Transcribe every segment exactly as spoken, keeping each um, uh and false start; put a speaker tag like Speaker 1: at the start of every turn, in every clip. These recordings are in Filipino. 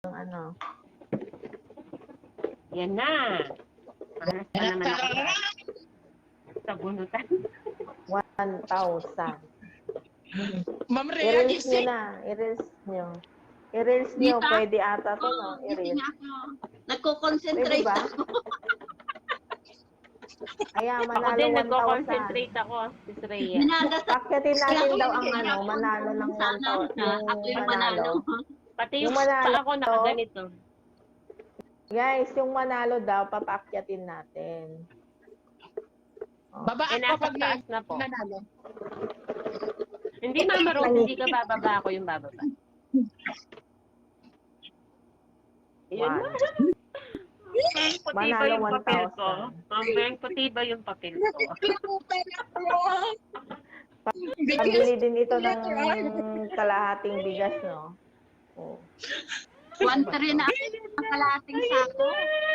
Speaker 1: ano.
Speaker 2: Yan na. Malas pa naman ako sa, sa bunutan.
Speaker 1: one thousand.
Speaker 3: Ma'am Rhea,
Speaker 1: I-reels nyo
Speaker 3: gising.
Speaker 1: na. I-reels nyo. I-reels nyo.
Speaker 4: Dita?
Speaker 1: Pwede ata to,
Speaker 4: Oo,
Speaker 1: no?
Speaker 4: gising
Speaker 1: I-reels.
Speaker 4: ako. Nagko-concentrate
Speaker 1: Pwede ba?
Speaker 4: ako.
Speaker 1: Ayan,
Speaker 2: Ako
Speaker 1: manalo
Speaker 2: din,
Speaker 1: one thousand.
Speaker 2: nagko-concentrate ako. Sis Rhea.
Speaker 4: Minadasal
Speaker 1: Pakyatin natin daw ang
Speaker 4: Kaya
Speaker 1: ano,
Speaker 4: ako,
Speaker 1: manalo ng one
Speaker 4: sana,
Speaker 1: thousand.
Speaker 4: na ako yung manalo.
Speaker 2: Pati
Speaker 1: Yung
Speaker 2: yung
Speaker 1: manalo.
Speaker 2: pa ako nakaganito.
Speaker 1: Guys, yung manalo daw, papakyatin natin. Oh.
Speaker 3: Babaan
Speaker 2: Eh,
Speaker 3: ko
Speaker 2: nasa
Speaker 3: pag
Speaker 2: taas na po.
Speaker 3: nanalo.
Speaker 2: Hindi, Mama Rose, hindi ka bababa, ako yung bababa. Yun
Speaker 1: One.
Speaker 2: na. Ma'am, puti ba
Speaker 1: Manalo
Speaker 2: yung papel ko?
Speaker 1: one thousand.
Speaker 2: Ma'am, Beng, puti ba yung papel ko?
Speaker 3: Nakikinutan ako.
Speaker 1: Pabili din ito ng kalahating bigas, no? Oh.
Speaker 4: One three na ang kalating sako.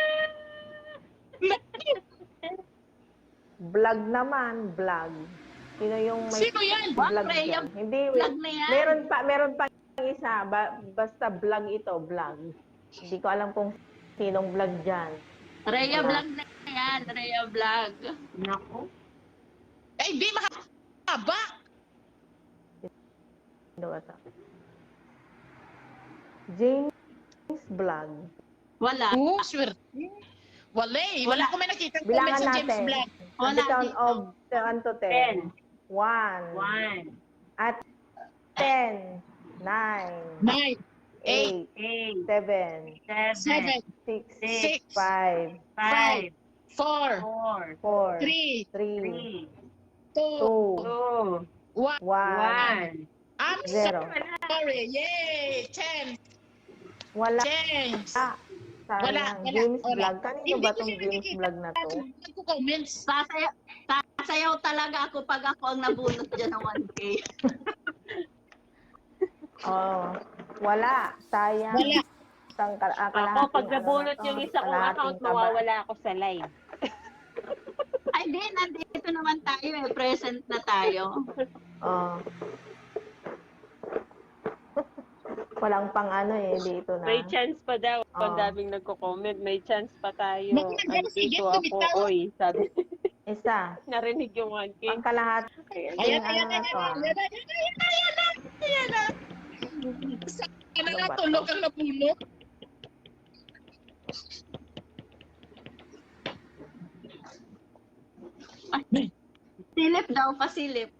Speaker 1: Vlog naman, vlog. Sino yung may
Speaker 3: Sino yan?
Speaker 1: vlog
Speaker 4: What, Rhea?
Speaker 1: dyan? Hindi,
Speaker 4: Vlog na yan.
Speaker 1: meron pa, meron pa isa. Ba, basta vlog ito, vlog. Hindi ko alam kung sinong vlog dyan.
Speaker 4: Rhea Vlog na yan. Rhea Vlog.
Speaker 2: Naku.
Speaker 3: Eh, di mahaba.
Speaker 1: Sino ba ito? James Vlog.
Speaker 4: Wala.
Speaker 3: Oh, swerte. Wala eh. Wala ko may nakita comment
Speaker 1: Bilangan
Speaker 3: sa James
Speaker 1: natin.
Speaker 3: Blunt.
Speaker 1: At
Speaker 4: Wala
Speaker 1: the count
Speaker 4: dito.
Speaker 1: of one to ten.
Speaker 2: Ten.
Speaker 1: One.
Speaker 2: One.
Speaker 1: At ten. Nine.
Speaker 3: Nine,
Speaker 1: Eight.
Speaker 2: Eight.
Speaker 1: Seven.
Speaker 2: Seven.
Speaker 3: seven,
Speaker 1: Six.
Speaker 3: six,
Speaker 1: Five.
Speaker 2: Five.
Speaker 3: four,
Speaker 2: Four.
Speaker 1: Four.
Speaker 3: three,
Speaker 1: Three.
Speaker 2: Three.
Speaker 3: two,
Speaker 1: Two.
Speaker 2: Two.
Speaker 3: one.
Speaker 1: One.
Speaker 2: One.
Speaker 3: I'm
Speaker 1: Zero.
Speaker 3: sorry. Yay! Ten.
Speaker 1: Wala.
Speaker 3: James.
Speaker 1: Ah, sayang.
Speaker 3: Wala, wala,
Speaker 1: James
Speaker 3: wala.
Speaker 1: Vlog. Kanino
Speaker 3: Hindi
Speaker 1: ba
Speaker 3: ko
Speaker 1: tong
Speaker 3: siya
Speaker 1: James
Speaker 3: nakikita.
Speaker 1: Vlog na to?
Speaker 3: Nagko-comments.
Speaker 4: Sasayaw, sasayaw talaga ako pag ako ang nabunot dyan ng one K.
Speaker 1: Oh, wala. Sayang.
Speaker 3: Wala.
Speaker 1: Isang kal- ah,
Speaker 2: Ako,
Speaker 1: kalahating
Speaker 2: pag nabunot
Speaker 1: ano na to,
Speaker 2: yung isa kong
Speaker 1: kalahating
Speaker 2: account,
Speaker 1: taba.
Speaker 2: mawawala ako sa live.
Speaker 4: Ay, di, nandito naman tayo eh. Present na tayo.
Speaker 1: Oh. Walang pang ano eh, dito na.
Speaker 2: May chance pa daw.
Speaker 1: Oo.
Speaker 2: Ang daming nagko-comment. May chance pa tayo.
Speaker 3: Naku, nandyan si
Speaker 2: Andito
Speaker 3: Jet,
Speaker 2: ako.
Speaker 3: tumitaw.
Speaker 2: Oy, sabi.
Speaker 1: Isa.
Speaker 2: Narinig yung one K.
Speaker 1: Pang kalahat.
Speaker 3: Ayan,
Speaker 1: ano
Speaker 3: ayan,
Speaker 1: na
Speaker 3: ayan,
Speaker 1: to, ah.
Speaker 3: ayan, ayan, ayan, ayan, ayan, ayan, ayan. Sana
Speaker 1: Ano
Speaker 3: nga
Speaker 1: ba to?
Speaker 3: tulog ang nabunot.
Speaker 4: Silip daw, pasilip.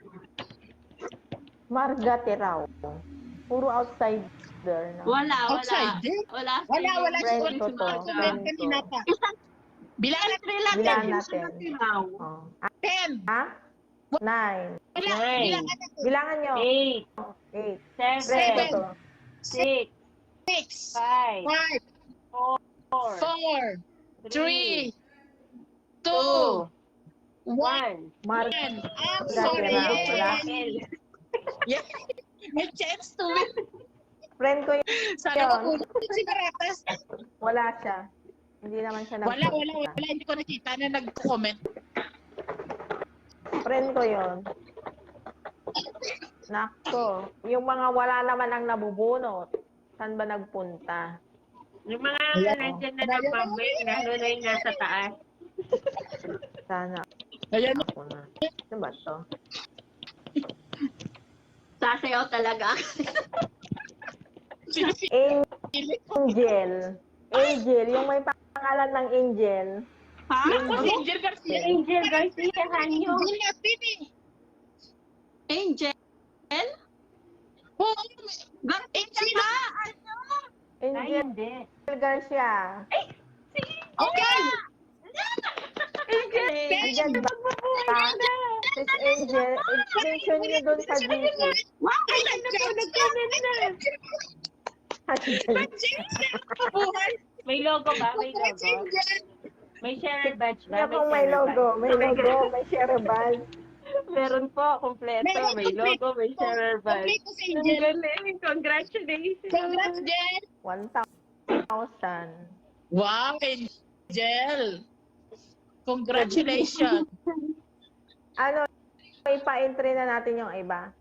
Speaker 1: Margate raw. Puro outsider. No?
Speaker 4: Wala, wala.
Speaker 3: Outsider?
Speaker 4: Wala.
Speaker 3: Wala, wala si
Speaker 1: Friend
Speaker 3: Juan
Speaker 1: ko
Speaker 3: sa
Speaker 1: to.
Speaker 3: mga comment kanina pa.
Speaker 4: Isang
Speaker 3: Bilangan
Speaker 4: country lang
Speaker 1: Bilangan
Speaker 4: yan.
Speaker 1: natin.
Speaker 4: Sinaw.
Speaker 1: Oh.
Speaker 3: ten.
Speaker 1: Ha? Nine.
Speaker 3: Wala,
Speaker 2: Nine.
Speaker 3: bilangan natin.
Speaker 1: Bilangan nyo.
Speaker 2: Eight.
Speaker 1: Eight.
Speaker 2: Seven.
Speaker 1: Friend ko to.
Speaker 2: Six.
Speaker 3: Six,
Speaker 2: Five.
Speaker 3: five,
Speaker 2: Four.
Speaker 3: four, three, two,
Speaker 2: Two.
Speaker 3: one.
Speaker 2: One.
Speaker 1: Mar-
Speaker 3: I'm
Speaker 1: Margate
Speaker 3: sorry.
Speaker 1: raw.
Speaker 3: Yay.
Speaker 1: Wala.
Speaker 3: Yeah. May chance to win.
Speaker 1: Friend ko yun.
Speaker 3: Sana mabunot si Baratas.
Speaker 1: Wala siya. Hindi naman siya
Speaker 3: Wala,
Speaker 1: nagpunta.
Speaker 3: wala, wala. Hindi ko nakita na nag-comment.
Speaker 1: Friend ko yun. Nako. Yung mga wala naman ang nabubunot. Saan ba nagpunta?
Speaker 2: Yung mga
Speaker 3: Ayan.
Speaker 2: nandyan na nagpambay, lalo na yung nasa taas.
Speaker 1: Sana
Speaker 3: Ayan.
Speaker 1: ako na. Ano ba to?
Speaker 4: Sasayaw talaga.
Speaker 1: Angel. Angel. Yung may pangalan ng Angel.
Speaker 4: Ha?
Speaker 3: Ako si Angel Garcia.
Speaker 2: Angel Garcia, hanyo.
Speaker 3: Angel natin eh.
Speaker 4: Angel?
Speaker 3: Oo.
Speaker 4: Garcia ka! Ano?
Speaker 2: Ay,
Speaker 1: Angel
Speaker 2: hindi.
Speaker 1: Garcia.
Speaker 3: Okay.
Speaker 2: Angel!
Speaker 1: Andyan ba? Sis Angel. I-mention nyo dun sa G C.
Speaker 4: Wow!
Speaker 3: Ay, nag-comment na. Buhay.
Speaker 2: May logo ba? May
Speaker 3: Buhay si
Speaker 2: logo?
Speaker 3: Angel.
Speaker 2: May share badge ba?
Speaker 1: Kaya kung may
Speaker 2: share
Speaker 1: logo,
Speaker 2: badge.
Speaker 1: may logo, may share badge.
Speaker 2: Meron po, kompleto.
Speaker 3: Meron,
Speaker 2: May
Speaker 3: complete.
Speaker 2: logo, may share badge.
Speaker 3: Complete ko si
Speaker 2: Ang
Speaker 3: Angel.
Speaker 2: galing. Congratulations.
Speaker 3: Congrats, Angel.
Speaker 1: one thousand.
Speaker 3: Wow, Angel. Congratulations.
Speaker 1: Ano, ipa-entry na natin yung iba.